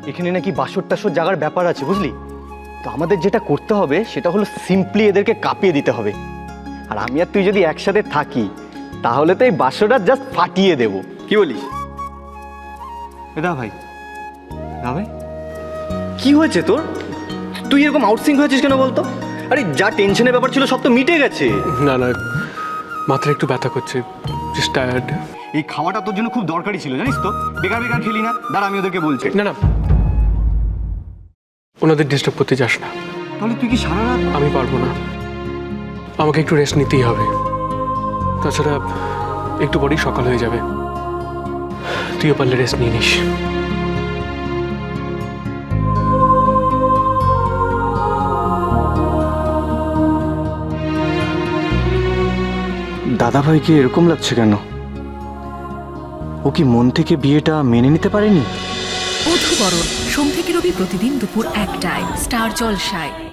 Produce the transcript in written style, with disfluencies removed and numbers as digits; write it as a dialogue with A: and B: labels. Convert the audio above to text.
A: এখানে নাকি বাসর টাসর জাগার ব্যাপার আছে, বুঝলি? তো আমাদের যেটা করতে হবে সেটা হলো সিম্পলি এদেরকে কাঁপিয়ে দিতে হবে। আর আমি আর তুই যদি একসাথে থাকি তাহলে তো এই বাসরটা জাস্ট ফাটিয়ে দেব, কি বলিস? দা ভাই, দা ভাই, কি হয়েছে তোর? তুই এরকম আউটসিং হয়েছিস কেন বলতো? আরে যা টেনশনের ব্যাপার ছিল সব তো মিটে গেছে।
B: না না, মাথায় একটু ব্যথা করছে, জাস্ট টায়ার্ড।
A: এই খাওয়াটা তোর জন্য খুব দরকারি ছিল, জানিস তো? বেকার বেকার খেলি না। দাঁড়া, আমি ওদেরকে বলছি।
B: না না, ওনাদের ডিস্টার্ব করতে যাস না।
A: তাহলে তুই কি সারা রাত?
B: আমি পারবো না, আমাকে একটু রেস্ট নিতেই হবে। তাছাড়া একটু পরেই সকাল হয়ে যাবে, তুইও পারলে রেস্ট নিয়ে নিস।
A: দাদা ভাইকে এরকম লাগছে কেন? ও কি মন থেকে বিয়েটা মেনে নিতে পারেনি?
C: বধূবরণ সোম থেকে রবি প্রতিদিন দুপুর 1টায় স্টার জলসায়।